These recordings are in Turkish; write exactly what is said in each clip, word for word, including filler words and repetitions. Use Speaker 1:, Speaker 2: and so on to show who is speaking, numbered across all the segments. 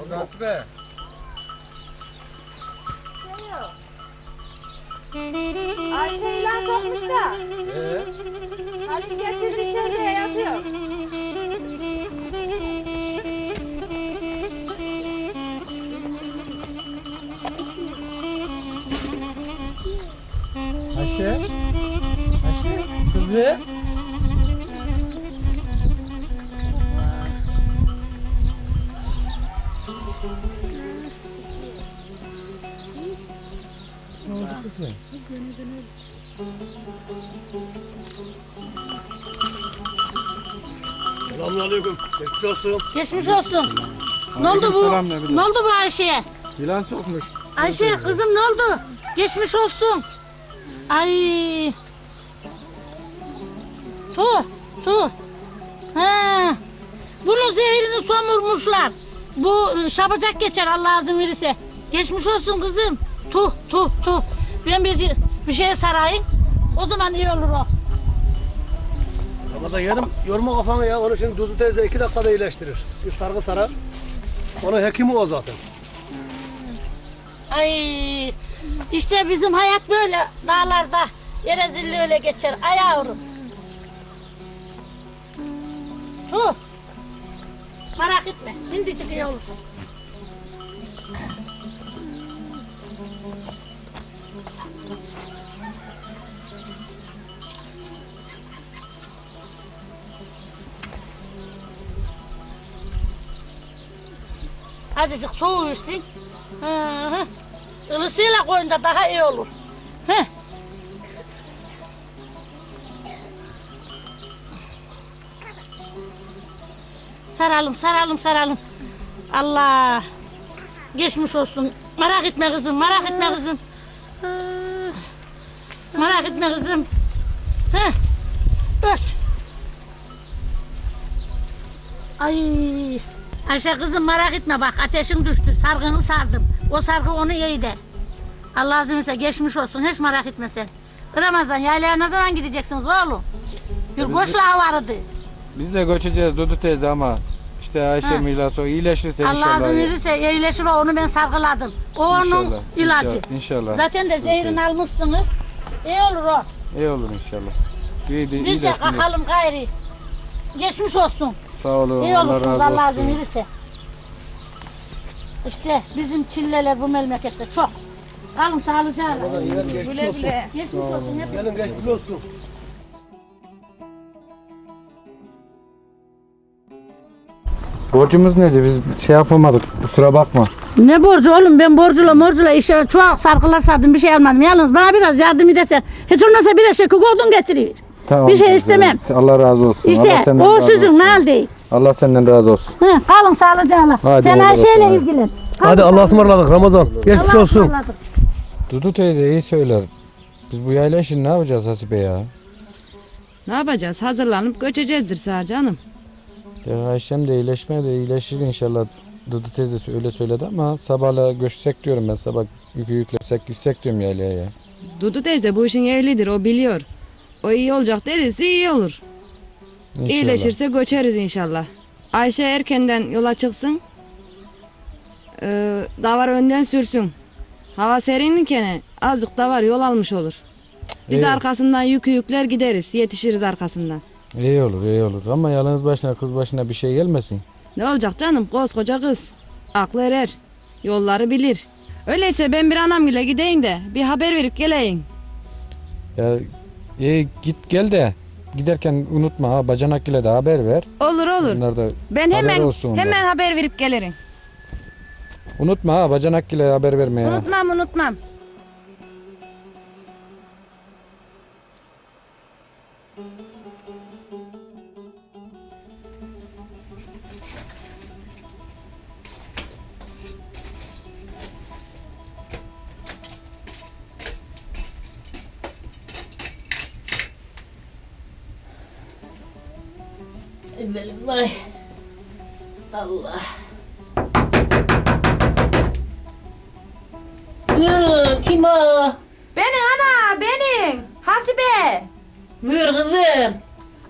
Speaker 1: Nasıl be?
Speaker 2: Ayşe ilan sokmuş da.
Speaker 1: Ee?
Speaker 2: Halil getirdi içeriye yatıyor.
Speaker 1: Ayşe? Ayşe? Kızı? Ne oldu kızım?
Speaker 3: Selamünaleyküm. Geçmiş olsun.
Speaker 4: Geçmiş olsun. Ne oldu bu?
Speaker 1: Selam ne bileyim.
Speaker 4: Ne oldu bu Ayşe'ye?
Speaker 1: Yılan sokmuş.
Speaker 4: Ayşe kızım ne oldu? Geçmiş olsun. Ay. Tu, tu. Ha. Bunun zehirini somurmuşlar. Bu şapacak geçer Allah izin verirse. Geçmiş olsun kızım. Tu, tu, tu. Ben bir bir şeye sarayım. O zaman iyi olur o.
Speaker 3: Ramazan yerim. Yorma kafanı ya. Onu şimdi Dudu teyze iki dakikada iyileştirir. Bir sargı sarar. Onun hekimi o zaten.
Speaker 4: Ay. İşte bizim hayat böyle dağlarda. Yerezilli öyle geçer. Ay yavrum. Tu. Merak etme. Şimdicik iyi olur. Azıcık soğuyorsun. Hı hı. Ilısıyla koyunca daha iyi olur. Hı. Saralım, saralım, saralım. Allah. Geçmiş olsun. Merak etme kızım, merak etme kızım. Hı. Merak etme kızım. Hı. Ört. Ay. Ayşe kızım merak etme bak ateşin düştü. Sargını sardım. O sargı onu iyi der. Allah izin verirse geçmiş olsun. Hiç merak etme sen. Ramazan yaylaya ne zaman gideceksiniz oğlum? Bir koçla vardı.
Speaker 1: Biz de göçeceğiz Dudu teyze ama işte Ayşe
Speaker 4: Ha.
Speaker 1: milas o iyileşirse inşallah.
Speaker 4: Allah izin verirse iyileşir o onu ben sargıladım. O onun
Speaker 1: İnşallah,
Speaker 4: ilacı.
Speaker 1: inşallah, inşallah.
Speaker 4: Zaten de zehrini almışsınız. İyi olur o.
Speaker 1: İyi olur inşallah. İyi,
Speaker 4: Biz de
Speaker 1: iyileşsin.
Speaker 4: kalkalım gayri. Geçmiş olsun.
Speaker 1: Sağ olun.
Speaker 4: İyi
Speaker 1: Allah
Speaker 4: olursunuz
Speaker 1: razı
Speaker 4: Allah izin
Speaker 1: olsun.
Speaker 4: verirse. İşte bizim çilleler bu memlekette çok. Kalın sağlıcakla.
Speaker 2: Güle güle.
Speaker 4: Geçmiş olsun. Hep
Speaker 3: Gelin geçmiş olsun.
Speaker 1: Borcumuz neydi? Biz şey yapamadık. Kusura bakma.
Speaker 4: Ne borcu oğlum ben borcula morcula işe çok sarkılar sardım bir şey almadım. Yalnız bana biraz yardım edersen hiç olmazsa bir eşek odun getiriyor.
Speaker 1: Tamam.
Speaker 4: Bir şey
Speaker 1: teyze.
Speaker 4: istemem.
Speaker 1: Allah razı olsun.
Speaker 4: İşte
Speaker 1: Allah senden
Speaker 4: o
Speaker 1: razı
Speaker 4: sizin
Speaker 1: olsun.
Speaker 4: nal değil.
Speaker 1: Allah senden razı olsun.
Speaker 4: Hı, kalın sağlıcakla.
Speaker 1: Hadi
Speaker 4: Sen
Speaker 1: olur
Speaker 4: Ayşe'yle
Speaker 1: olsun,
Speaker 4: ilgilen.
Speaker 3: Hadi Allah'a ısmarladık Ramazan. Geçmiş
Speaker 4: Allah'a
Speaker 3: olsun.
Speaker 4: ısmarladık.
Speaker 1: Dudu teyze iyi söyler. Biz bu yayla işini ne yapacağız Hasibe ya?
Speaker 2: Ne yapacağız? Hazırlanıp göçeceğizdir sağ canım.
Speaker 1: Ya Ayşem de iyileşmeye de iyileşir inşallah. Dudu teyzesi öyle söyledi ama sabahla göçsek diyorum ben, sabah yükü yüklesek gitsek diyorum yaylaya ya.
Speaker 2: Dudu teyze bu işin ehlidir, o biliyor. O iyi olacak dediyse iyi olur.
Speaker 1: İnşallah.
Speaker 2: İyileşirse göçeriz inşallah. Ayşe erkenden yola çıksın. Ee, davar önden sürsün. Hava serinlikene azıcık davar yol almış olur. Biz de
Speaker 1: İyi.
Speaker 2: arkasından yükü yükler gideriz. Yetişiriz arkasından.
Speaker 1: İyi olur iyi olur ama yalnız başına kız başına bir şey gelmesin.
Speaker 2: Ne olacak canım? Koskoca kız. Aklı erer. Yolları bilir. Öyleyse ben bir anamgile gideyim de bir haber verip geleyim.
Speaker 1: Ya iyi git gel de giderken unutma ha, bacanak ile de haber ver.
Speaker 2: Olur olur.
Speaker 1: Bunlar da
Speaker 2: Ben
Speaker 1: haber
Speaker 2: hemen
Speaker 1: olsun ondan.
Speaker 2: hemen haber verip gelirim.
Speaker 1: Unutma ha, bacanak ile haber verme ya.
Speaker 2: Unutmam unutmam.
Speaker 4: Vay. Allah. Yürü kim o?
Speaker 2: Benim ana benim. Hasibe.
Speaker 4: Buyur kızım.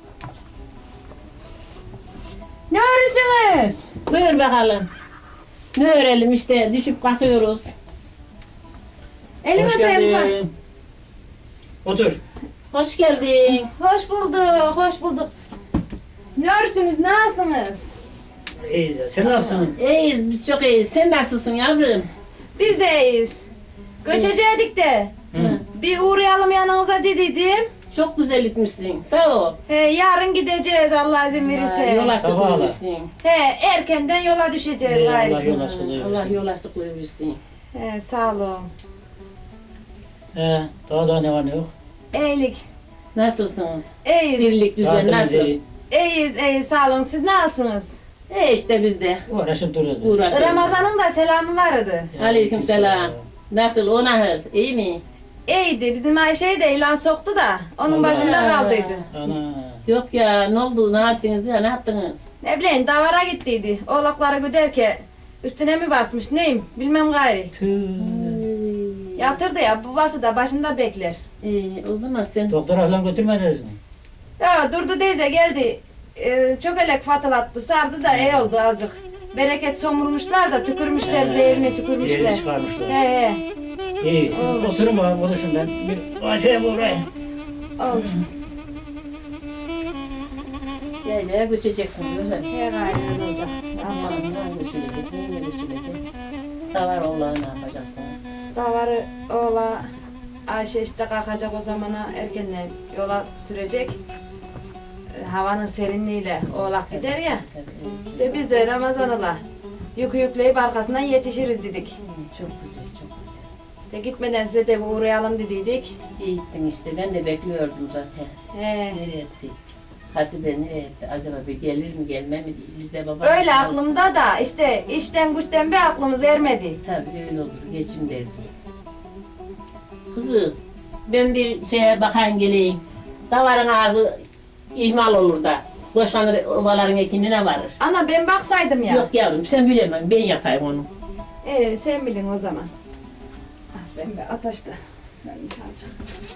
Speaker 2: Ne örürsünüz?
Speaker 4: Buyur bakalım. Ne öğrenelim işte düşüp kalkıyoruz.
Speaker 2: Elimi
Speaker 5: Hoş
Speaker 2: öpeyim.
Speaker 5: geldin. Otur.
Speaker 4: Hoş geldin.
Speaker 2: Hoş bulduk, hoş bulduk. Ne örürsünüz, nasılsınız?
Speaker 5: İyiyiz ya. Sen nasılsın?
Speaker 4: İyiyiz biz çok iyiyiz. Sen nasılsın yavrum?
Speaker 2: Biz de iyiyiz. Göçecektik de.
Speaker 5: Hı.
Speaker 2: Bir uğrayalım yanınıza dediydim.
Speaker 4: Çok güzel gitmişsin. Sağ ol.
Speaker 2: He, yarın gideceğiz Allah izin
Speaker 4: Ha,
Speaker 2: verirse.
Speaker 4: Yol açıklığı
Speaker 5: Sabahla.
Speaker 4: versin.
Speaker 2: He, erkenden yola düşeceğiz
Speaker 5: Ey Allah
Speaker 2: gayrı.
Speaker 5: yol açıklığı
Speaker 4: Allah
Speaker 5: versin.
Speaker 4: yol açıklığı versin.
Speaker 2: He, sağ olun.
Speaker 5: He, daha da ne var ne yok.
Speaker 2: İyilik.
Speaker 4: Nasılsınız?
Speaker 2: İyiyiz.
Speaker 4: Birlik düzen
Speaker 5: Tatilimiz
Speaker 4: nasıl?
Speaker 5: iyi.
Speaker 2: İyiyiz, iyiyiz. Sağ olun. Siz nasılsınız?
Speaker 4: E işte biz de
Speaker 5: Uğraşıp duruyoruz. biz.
Speaker 4: uğraşıyoruz.
Speaker 2: Ramazan'ın da selamı vardı.
Speaker 4: Aleyküm selam. Nasıl o nahır? İyi mi?
Speaker 2: İyiydi. Bizim Ayşe'yi de ilan soktu da onun
Speaker 5: Allah.
Speaker 2: başında kaldıydı.
Speaker 5: Ana.
Speaker 4: Yok ya ne oldu? Ne yaptınız ya? Ne yaptınız?
Speaker 2: Ne bileyim davara gittiydi. Oğlakları güderken üstüne mi basmış neyim bilmem gayri.
Speaker 5: Tüh.
Speaker 2: Yatırdı ya babası da başında bekler.
Speaker 4: Ee, o zaman sen
Speaker 5: Doktora falan götürmediniz mi?
Speaker 2: Ya durdu teyze geldi. Ee, çok elek fatılattı sardı da iyi oldu azıcık. Bereket somurmuşlar da tükürmüşler
Speaker 5: He.
Speaker 2: zehirini tükürmüşler.
Speaker 5: Yerini çıkarmışlar.
Speaker 2: He he.
Speaker 5: İyi. Siz
Speaker 2: Olur.
Speaker 5: oturun bakalım konuşun ben. Bir acayip uğrayayım.
Speaker 2: Oldu.
Speaker 4: yaylaya göçeceksin değil mi?
Speaker 2: He gayrı olacak.
Speaker 4: Aman ne göçülecek? Neyle göçülecek? Davar oğlağı ne yapacaksınız?
Speaker 2: Davarı oğla Ayşe işte kalkacak o zamana erkenden yola sürecek. Ee, Havanın serinliğiyle oğlak gider ya.
Speaker 4: Tabii.
Speaker 2: İşte biz de Ramazan'la yükü yükleyip arkasından yetişiriz dedik.
Speaker 4: Çok güzel, çok güzel.
Speaker 2: İşte gitmeden size de bir uğrayalım dediydik.
Speaker 4: İyi gittin işte. Ben de bekliyordum zaten.
Speaker 2: He.
Speaker 4: Nereye etti? Hasibe nereye etti? Acaba bir gelir mi gelme mi diye. Biz de baba.
Speaker 2: Öyle aklımda da işte işten güçten bir aklımız ermedi.
Speaker 4: Tabii öyle olur. Geçim derdi. Kızım ben bir şeye bakayım geleyim. Davarın ağzı ihmal olur da. Boşanır ovaların ekinine varır.
Speaker 2: Ana ben baksaydım ya.
Speaker 4: Yok yavrum sen bilemem. Ben yapayım onu.
Speaker 2: Ee, sen bilin o zaman. Ah, ben bir ataşta. Sen azıcık.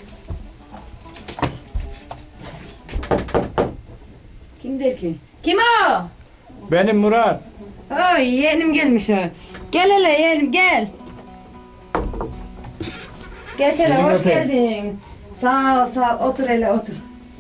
Speaker 2: Kimdir ki? Kim o?
Speaker 1: Benim Murat.
Speaker 2: Oy yeğenim gelmiş ha. Gel hele yeğenim gel. Geç hele
Speaker 1: Elini
Speaker 2: hoş
Speaker 1: öpeyim.
Speaker 2: geldin. Sağ ol sağ ol otur hele otur.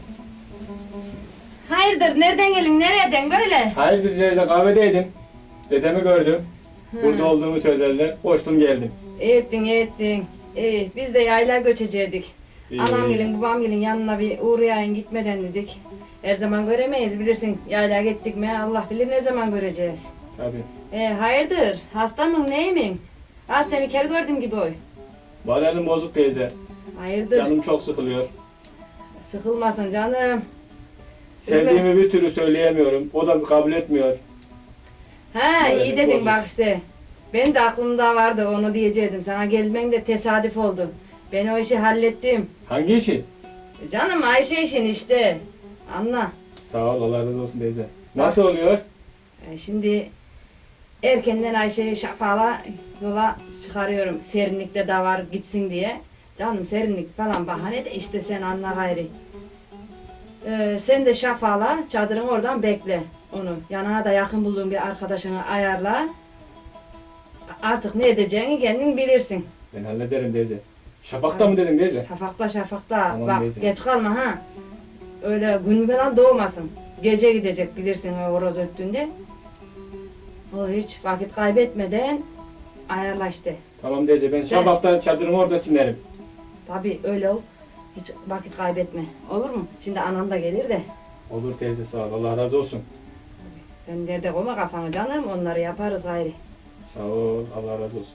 Speaker 2: Hayırdır nereden gelin nereden böyle?
Speaker 6: Hayırdır teyze kahvedeydim. Dedemi gördüm. Burada olduğumu söylediler. Koştum geldim.
Speaker 2: İyi ettin iyi ettin. İyi biz de yayla göçecektik.
Speaker 6: İyi.
Speaker 2: Anam gelin babam gelin yanına bir uğrayayım gitmeden dedik. Her zaman göremeyiz bilirsin. Yayla gittik mi Allah bilir ne zaman göreceğiz.
Speaker 6: Tabii.
Speaker 2: E, hayırdır hasta mı neyimin? Az seni ker gördüm gibi oy.
Speaker 6: Moralim bozuk teyze.
Speaker 2: Hayırdır
Speaker 6: Canım çok sıkılıyor.
Speaker 2: sıkılmasın canım.
Speaker 6: Sevdiğimi bir türlü söyleyemiyorum. O da kabul etmiyor.
Speaker 2: Ha
Speaker 6: Moralim
Speaker 2: iyi dedin
Speaker 6: bozuk.
Speaker 2: bak işte. Ben de aklımda vardı onu diyecektim. Sana gelmen de tesadüf oldu. Ben o işi hallettim.
Speaker 6: Hangi işi?
Speaker 2: E, Canım Ayşe işin işte. Anla.
Speaker 6: Sağ ol Allah razı olsun teyze. Nasıl oluyor?
Speaker 2: E, şimdi erkenden Ayşe'yi şafala yola çıkarıyorum. Serinlikte de var gitsin diye. Canım serinlik falan bahane de işte sen anla gayri. E, sen de şafala çadırın oradan bekle onu. Yanına da yakın bulduğun bir arkadaşını ayarla. Artık ne edeceğini kendin bilirsin.
Speaker 6: Ben hallederim teyze. Şafakta mı dedin teyze?
Speaker 2: Şafakta şafakta.
Speaker 6: Tamam,
Speaker 2: Bak
Speaker 6: neyse.
Speaker 2: geç kalma ha. Öyle gün falan doğmasın. Gece gidecek bilirsin o horoz öttüğünde. O hiç vakit kaybetmeden ayarla işte.
Speaker 6: Tamam teyze ben şafakta çadırımı orada sinerim.
Speaker 2: Tabii öyle ol. Hiç vakit kaybetme. Olur mu? Şimdi anam da gelir de.
Speaker 6: Olur teyze sağ ol Allah razı olsun.
Speaker 2: Sen derde koyma kafanı canım. Onları yaparız gayri.
Speaker 6: Sağ ol Allah razı olsun.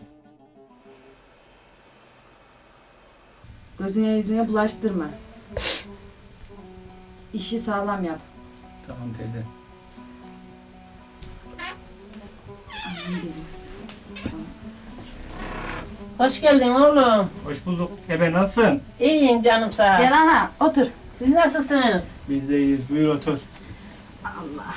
Speaker 2: Gözüne yüzüne bulaştırma. İşi sağlam yap.
Speaker 6: Tamam teyze.
Speaker 4: Hoş geldin oğlum.
Speaker 6: Hoş bulduk. Ebe nasılsın?
Speaker 4: İyiyim canım sağ ol.
Speaker 2: Gel ana otur.
Speaker 4: Siz nasılsınız?
Speaker 6: Biz de iyiyiz. Buyur otur.
Speaker 2: Allah.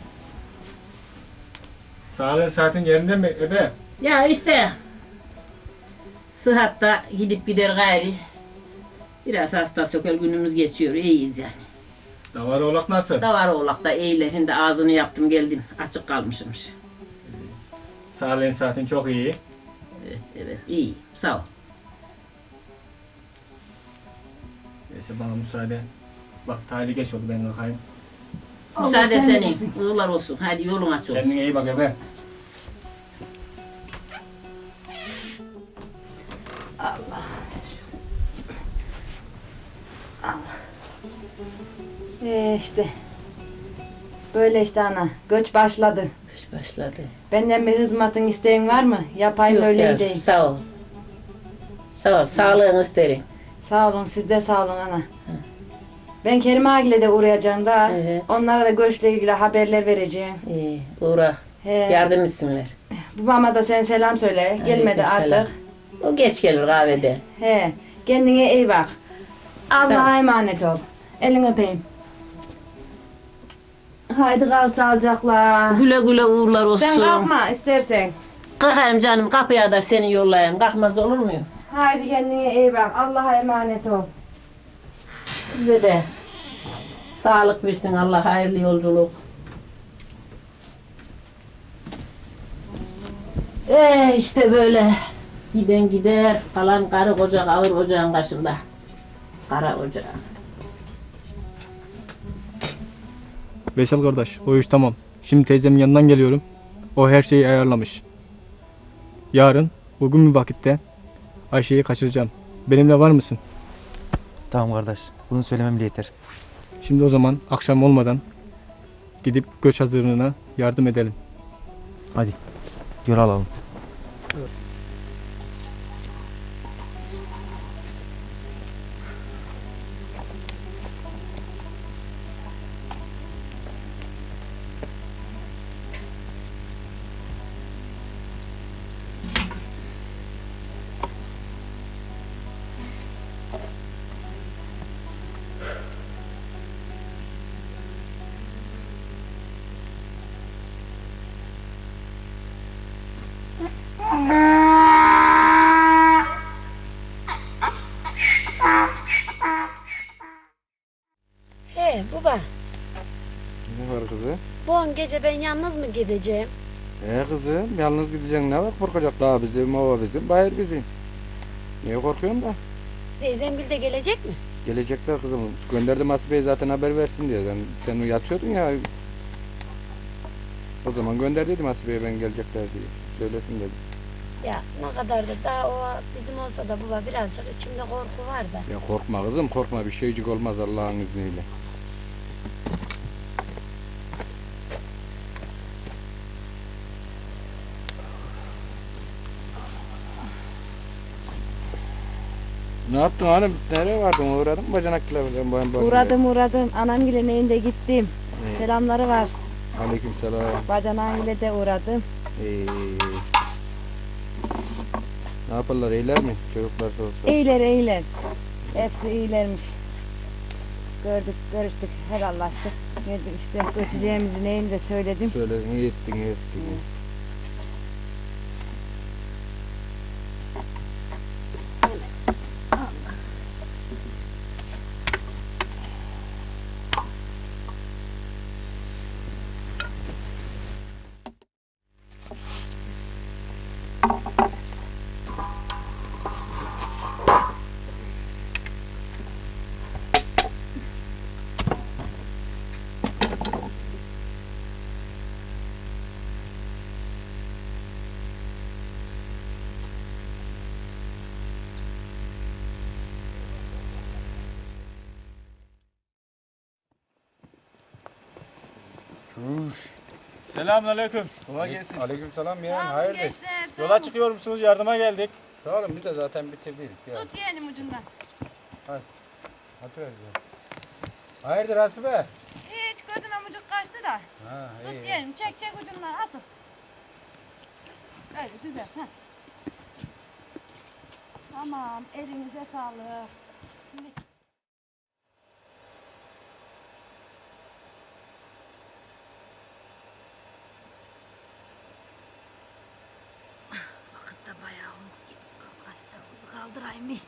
Speaker 6: Sağlığın saatin yerinde mi Ebe?
Speaker 4: Ya işte sıhhatta gidip gider gayri. Biraz hasta sökel günümüz geçiyor. İyiyiz yani.
Speaker 6: Davar oğlak nasıl?
Speaker 4: Davar oğlak da iyiler. Şimdi ağzını yaptım geldim. Açık kalmışmış.
Speaker 6: Sağlığın saatin çok iyi.
Speaker 7: Evet, evet. İyi. Sağ ol.
Speaker 6: Neyse bana müsaade. Bak talih geç oldu ben kalkayım.
Speaker 7: Müsaade senin. Uğurlar olsun. Hadi yolun aç olsun.
Speaker 6: Kendine iyi bak ebe.
Speaker 2: Ee işte. Böyle işte ana. Göç başladı.
Speaker 7: Kış başladı.
Speaker 2: Benden bir hizmetin isteğin var mı? Yapayım
Speaker 7: Yok
Speaker 2: öyle
Speaker 7: ya,
Speaker 2: gideyim.
Speaker 7: Sağ ol. Sağ ol. Sağlığını isterim.
Speaker 2: Sağ olun, siz de sağ olun ana. Ben Kerim Agile'de uğrayacağım da.
Speaker 7: Evet.
Speaker 2: Onlara da göçle ilgili haberler vereceğim.
Speaker 7: İyi. Uğra.
Speaker 2: He.
Speaker 7: Yardım etsinler.
Speaker 2: Babama da sen selam söyle. Gelmedi
Speaker 7: Aleykümselam.
Speaker 2: artık.
Speaker 7: O geç gelir kahvede.
Speaker 2: He. Kendine iyi bak. Allah'a
Speaker 7: Sağ ol.
Speaker 2: emanet ol. Elini öpeyim. Haydi kal sağlıcakla.
Speaker 7: Güle güle uğurlar olsun.
Speaker 2: Sen kalkma istersen.
Speaker 7: Kalkayım canım. Kapıya kadar seni yollayayım. Kalkmaz olur muyum?
Speaker 2: Haydi kendine iyi bak. Allah'a emanet ol.
Speaker 7: Size de sağlık versin Allah. Hayırlı yolculuk. Ee işte böyle. Giden gider. Kalan karı koca ağır ocağın başında. Kara ocağı.
Speaker 6: Veysel kardeş o iş tamam. Şimdi teyzemin yanından geliyorum. O her şeyi ayarlamış. Yarın uygun bir vakitte Ayşe'yi kaçıracağım. Benimle var mısın?
Speaker 8: Tamam kardeş. Bunu söylemem bile yeter.
Speaker 6: Şimdi o zaman akşam olmadan gidip göç hazırlığına yardım edelim.
Speaker 8: Hadi. Yol alalım.
Speaker 9: He baba,
Speaker 1: Ne var kızı?
Speaker 9: bu on gece ben yalnız mı gideceğim?
Speaker 1: E kızım yalnız gideceksin ne var korkacak daha bizim ova bizim bayır bizim. Niye korkuyorsun da?
Speaker 9: Teyzemgil de gelecek mi?
Speaker 1: Gelecekler kızım. Gönderdim Asibe'ye zaten haber versin diye. Sen, sen yatıyordun ya. O zaman gönder dedim Asibe'ye ben gelecekler diye. Söylesin dedim.
Speaker 9: Ya ne kadar da daha o bizim olsa da baba birazcık içimde korku var da.
Speaker 1: Ya korkma kızım korkma bir şeycik olmaz Allah'ın izniyle. Ne yaptın hanım? Nereye vardın? Uğradın mı bacanakla? Ben, ben, ben,
Speaker 2: Uğradım uğradım. Anamgil'in evinde gittim.
Speaker 1: Evet.
Speaker 2: Selamları var.
Speaker 1: Aleyküm selam.
Speaker 2: Bacanağıyla de uğradım.
Speaker 1: Ee, ne yaparlar? İyiler mi? Çocuklar çocuklar.
Speaker 2: İyiler iyiler. Hepsi iyilermiş. Gördük, görüştük, helallaştık. Geldik işte göçeceğimizi neyini de söyledim.
Speaker 1: Söyledin, iyi ettin, iyi ettin.
Speaker 6: Selamünaleyküm. Kolay gelsin.
Speaker 1: Aleyküm selam ya. Hayırdır?
Speaker 6: Yola çıkıyor musunuz? Yardıma geldik.
Speaker 1: Sağ olun biz de zaten bitirdik. Ya.
Speaker 2: Tut yeğenim ucundan.
Speaker 1: Hadi öyle. Hayırdır Hasibe?
Speaker 2: Hiç gözüme mucuk kaçtı da.
Speaker 1: Ha
Speaker 2: Tut
Speaker 1: iyi.
Speaker 2: yeğenim çek çek ucundan asıl. Öyle güzel. Heh. Tamam elinize sağlık. Şimdi...
Speaker 9: Vakit de bayağı oldu. Allah kızı kaldırayım bir.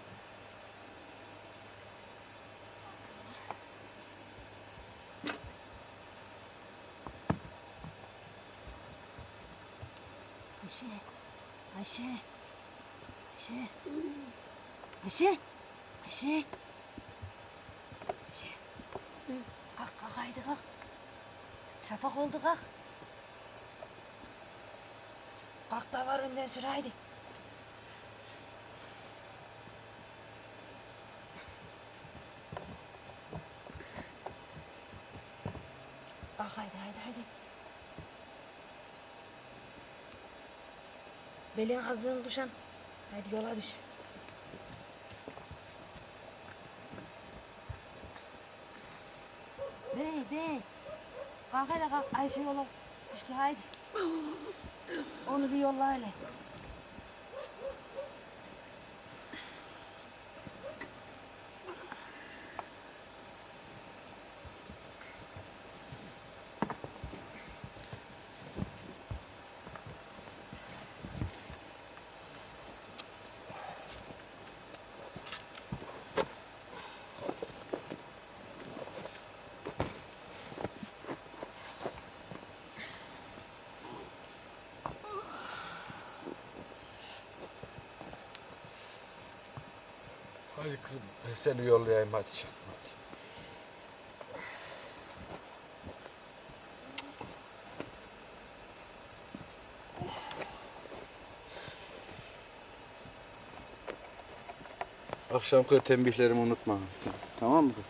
Speaker 4: Ayşe. Ayşe. Ayşe. Ayşe. Ayşe. Ayşe. Kalk kalk haydi kalk. Şafak oldu kalk. Kalk da var önden sür haydi. Kalk haydi haydi haydi. Belin ağzını düşen. Haydi yola düş. Bey bey. Kalk hele kalk. Ayşe yola düştü haydi. Onu bir yolla hele.
Speaker 1: Hadi kızım ben seni yollayayım hadi canım hadi. Akşamki tembihlerimi unutma. Tamam mı?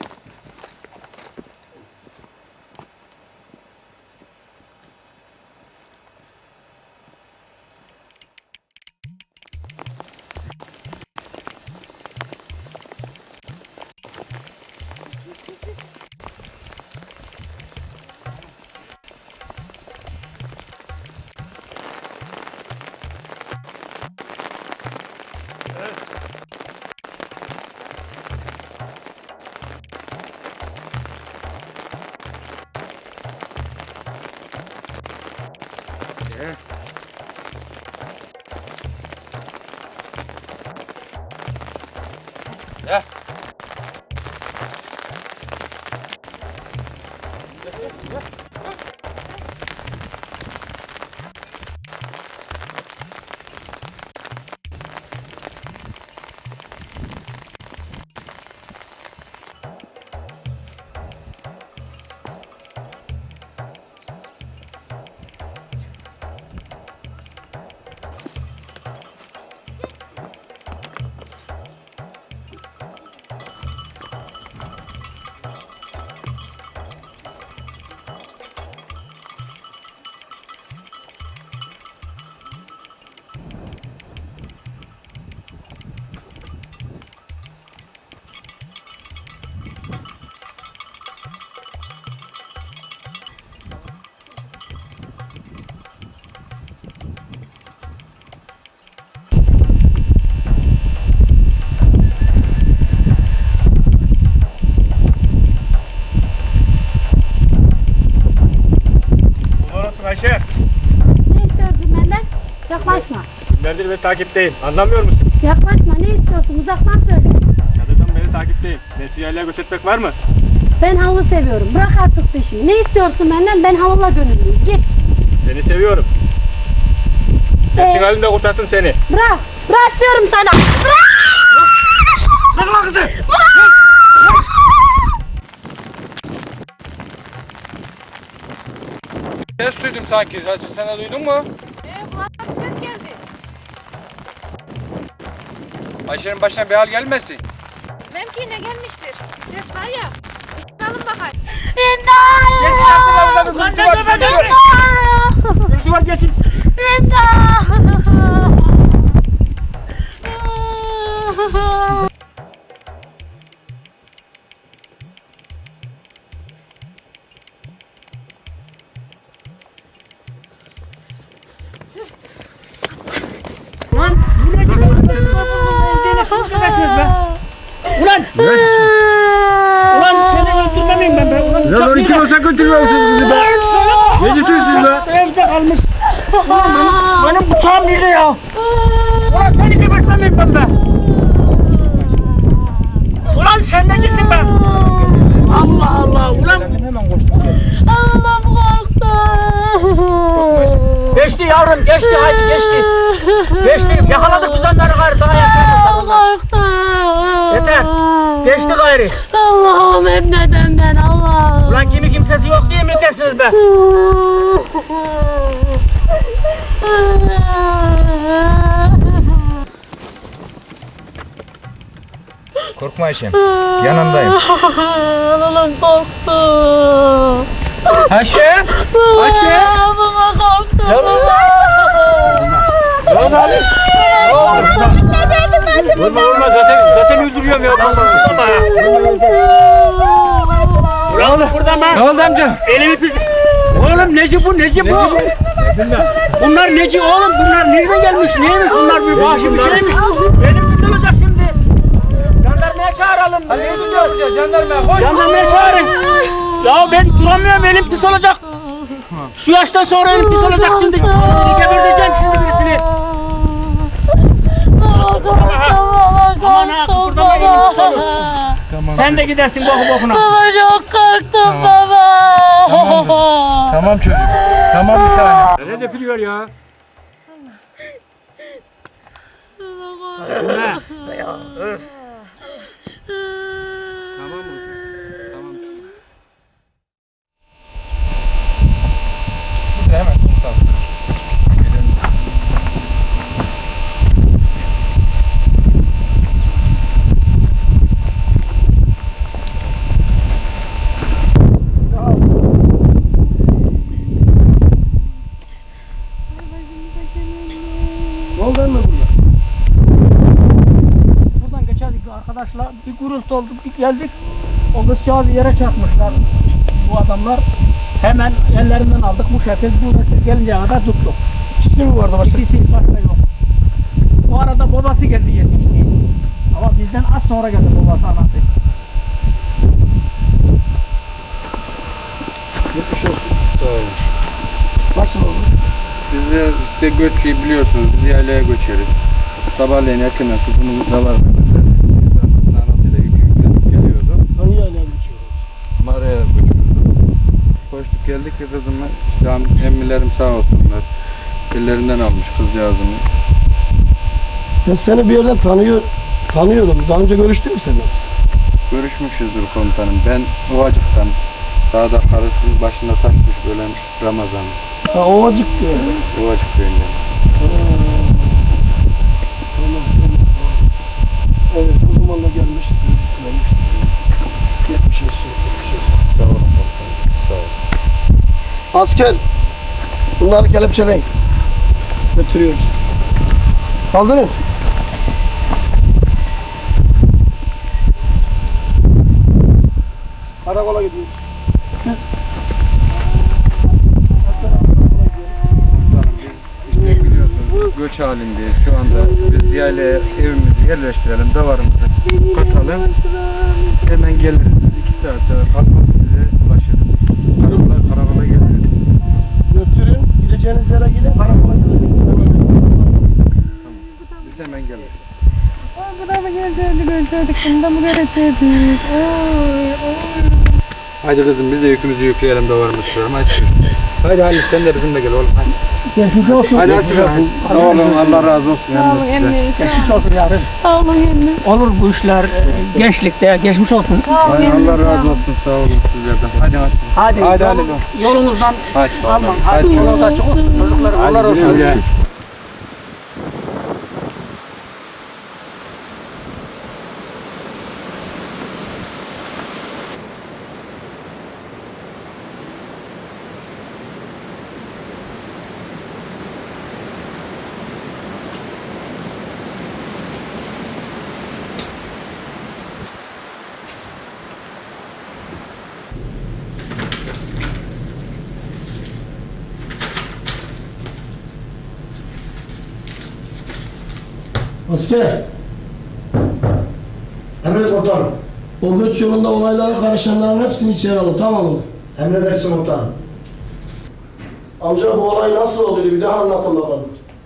Speaker 1: Gel.
Speaker 6: Ayşe,
Speaker 10: Ne istiyorsun benden? Yaklaşma.
Speaker 6: günlerdir beni takipteyim. Anlamıyor musun?
Speaker 10: Yaklaşma. Ne istiyorsun? Uzaktan söyle.
Speaker 6: Çadırdan beri takipteyim. Beni yerlere göç etmek var mı?
Speaker 10: Ben havlu seviyorum. Bırak artık peşimi. Ne istiyorsun benden? Ben havulla gönüllüyüm. Git.
Speaker 6: Seni seviyorum. Nefsin
Speaker 10: Ee?
Speaker 6: halimde kurtarsın seni.
Speaker 10: Bırak. Bırak diyorum sana. Bırak.
Speaker 6: Bırak lan kızı!
Speaker 1: Ses duydum sanki. Resmi sen de duydun mu?
Speaker 2: Ee, kulağına bir ses geldi.
Speaker 1: Ayşe'nin başına bir hal gelmesin.
Speaker 2: Belki ne gelmiştir. Bir ses var ya. Bakalım bakayım.
Speaker 10: İmdat.
Speaker 6: Lan ne demek öyle? Bir duvar geçin.
Speaker 10: İmdat.
Speaker 5: Ulan! Ulan seni öldürmemeyim ben be. Ulan
Speaker 6: Ya lan kim olsa götürüyor musunuz kızı be? Ne diyorsunuz siz be?
Speaker 5: Evde kalmış. Ulan benim, benim bıçağım nerede ya? Ulan seni gebertmemeyim ben be. Ulan sen ne diyorsun be? Allah Allah ulan.
Speaker 10: Allah'ım korktum.
Speaker 5: Geçti yavrum geçti haydi geçti. Geçtik, yakaladık biz onları gayrı, daha yaşamazlar onlar.
Speaker 10: Korktum.
Speaker 5: Yeter, geçti gayrı.
Speaker 10: Allah'ım hep neden ben Allah'ım.
Speaker 5: Ulan kimi kimsesi yok diye mi dersiniz be?
Speaker 8: Korkma Ayşem. Yanındayım.
Speaker 10: Allah'ım korktum.
Speaker 5: Ayşe! Ayşe!
Speaker 10: Baba korktum.
Speaker 5: Canım! Lan Ali! Ne oldu? Vurma vurma zaten, zaten öldürüyorum ya. Vurma ya. Ulan buradan ben.
Speaker 1: Ne oldu amca?
Speaker 5: Elimi pis. Oğlum neci bu, neci bu? Bunlar neci oğlum, bunlar nereden gelmiş, neymiş bunlar, bir vahşi bir şeymiş. Benim pis olacak şimdi. Jandarmaya çağıralım. Hadi ne tutacağız? Jandarmaya koş. Jandarmaya çağırın. Ya ben duramıyorum, elim pis olacak. Şu yaştan sonra elim pis olacak şimdi. Geberteceğim şimdi birisini.
Speaker 10: Baba korktum.
Speaker 5: Aman ha, kıpırdama, elim pis olur. Sen de gidersin boku bokuna.
Speaker 10: Baba çok korktum baba.
Speaker 8: Tamam çocuk. Tamam bir tane.
Speaker 5: Nereye dökülüyor ya? Ne? Ya, öf.
Speaker 1: Tamam olsun. Tamam çocuk.
Speaker 8: Şurada hemen komutanım.
Speaker 3: Ne oldu emmi burada?
Speaker 5: Buradan geçerdik arkadaşlar, bir gurultu oldu, bir geldik. O kızcağızı yere çarpmışlar bu adamlar. Hemen ellerinden aldık bu şekilde, burada siz gelinceye kadar tuttuk.
Speaker 3: İkisi mi vardı başka?
Speaker 5: İkisi başka yok. Bu arada babası geldi yetişti. Ama bizden az sonra geldi babası, anası.
Speaker 3: Yetmiş olsun.
Speaker 1: Sağ olun.
Speaker 3: Nasıl oldu?
Speaker 1: Biz de işte göçü biliyorsunuz. Biz yaylaya göçeriz. Sabahleyin erkenden kızımız da var. Kızın anasıyla yükü yüklenip geliyordu.
Speaker 3: Hangi yerden geçiyoruz?
Speaker 1: Mağaraya göçüyordu. Koştuk geldik ki kızımı işte am- emmilerim sağ olsunlar. Ellerinden almış kızcağızımı.
Speaker 3: Ben seni bir yerden tanıyor, tanıyorum. Daha önce görüştün mü seninle biz?
Speaker 1: Görüşmüşüzdür komutanım. Ben Ovacık'tan. Dağda karısının başında taşmış ölen Ramazan.
Speaker 3: Ha Ovacık diyor.
Speaker 1: Ovacık köyünden.
Speaker 3: Tamam, tamam, tamam. Evet, o zaman da gelmişti. Gelmişti. Geçmiş olsun, geçmiş olsun.
Speaker 1: Sağ olun komutanım. Sağ olun.
Speaker 3: Asker, bunları kelepçeleyin. Götürüyoruz. Kaldırın. Karakola gidiyoruz.
Speaker 1: İşte biliyorsunuz göç halindeyiz. Şu anda biz yaylaya evimizi yerleştirelim, davarımızı katalım. Hemen geliriz. Biz iki saate kalkmaz size ulaşırız. Karakola, karakola geliriz.
Speaker 3: Götürün, gideceğiniz yere gidin, karakola gidin.
Speaker 1: Biz hemen geliriz.
Speaker 10: Buna mı gelecektik, görecektik, bunda mı görecektik?
Speaker 1: Haydi kızım biz de yükümüzü yükleyelim, davarımızı sürüyorum. Hadi çocuğum. Haydi Ali sen de bizimle gel oğlum. Hadi.
Speaker 5: Geçmiş olsun.
Speaker 1: Hadi Asibe. Sağ olun, Allah razı olsun.
Speaker 10: Sağ olun emmi.
Speaker 5: Geçmiş olsun yarın.
Speaker 10: Sağ olun emmi.
Speaker 5: Olur bu işler e, gençlikte, geçmiş olsun.
Speaker 10: Sağ olun
Speaker 1: Ay,
Speaker 10: emmi.
Speaker 1: Allah razı olsun, sağ olun sizlerden. Hadi Asibe.
Speaker 5: Hadi,
Speaker 1: Hadi
Speaker 5: yol-
Speaker 1: Ali.
Speaker 5: yolunuzdan
Speaker 1: Hadi.
Speaker 5: alma.
Speaker 1: Hadi.
Speaker 5: Hadi yolunuz açık olsun. Çocuklar
Speaker 1: Hadi
Speaker 5: Allah olsun.
Speaker 1: güle güle.
Speaker 3: Asker. Emret komutanım. O göç yolunda olaylara karışanların hepsini içeri alın, tamam mı? Emredersin komutanım. Amca bu olay nasıl oldu bir daha anlatın bakalım.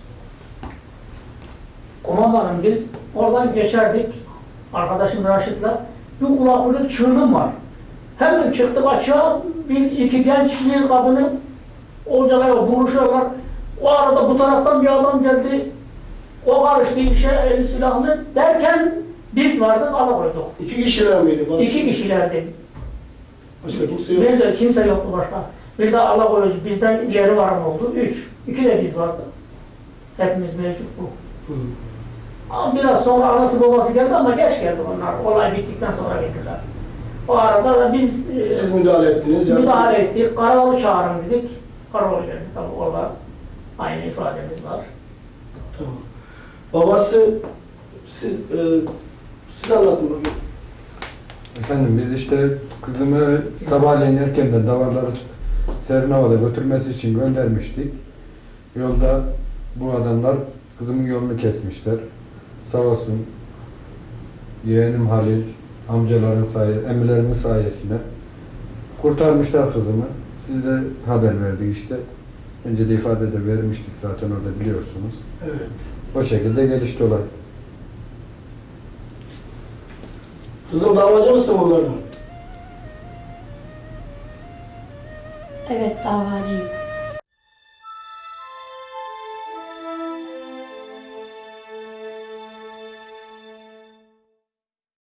Speaker 5: Kumandanım biz oradan geçerdik. Arkadaşım Raşit'le. Bir kulaklık çığırdım var. Hemen çıktık açığa. Bir iki genç bir kadını orcalaya vuruşuyorlar. O arada bu taraftan bir adam geldi. O karıştı işe eli silahlı derken biz vardık alakoyduk.
Speaker 3: İki kişiler miydi? Başka,
Speaker 5: İki kişilerdi.
Speaker 3: başka kimse yok.
Speaker 5: Bir de kimse yoktu başka. Bir de alakoyucu bizden ileri varan oldu. Üç. İki de biz vardı. Hepimiz mevcut bu.
Speaker 3: Hı.
Speaker 5: Ama biraz sonra anası babası geldi ama geç geldi onlar. Olay bittikten sonra geldiler. O arada da biz e,
Speaker 3: Siz müdahale ettiniz. yani.
Speaker 5: müdahale ettik. Karaolu çağırın dedik. Karaolu geldi tabii orada. Aynı ifademiz var.
Speaker 3: Tamam. Babası, siz, e, siz anlatın bakayım.
Speaker 1: Efendim biz işte kızımı sabahleyin erkenden davarları serin havada götürmesi için göndermiştik. Yolda bu adamlar kızımın yolunu kesmişler. Sağ olsun yeğenim Halil, amcaların sayesinde, emirlerimin sayesinde kurtarmışlar kızımı. Size haber verdik işte. Önce de ifade de vermiştik zaten orada biliyorsunuz.
Speaker 3: Evet.
Speaker 1: O şekilde gelişti olay.
Speaker 3: Kızım davacı mısın bunlardan?
Speaker 9: Evet davacıyım.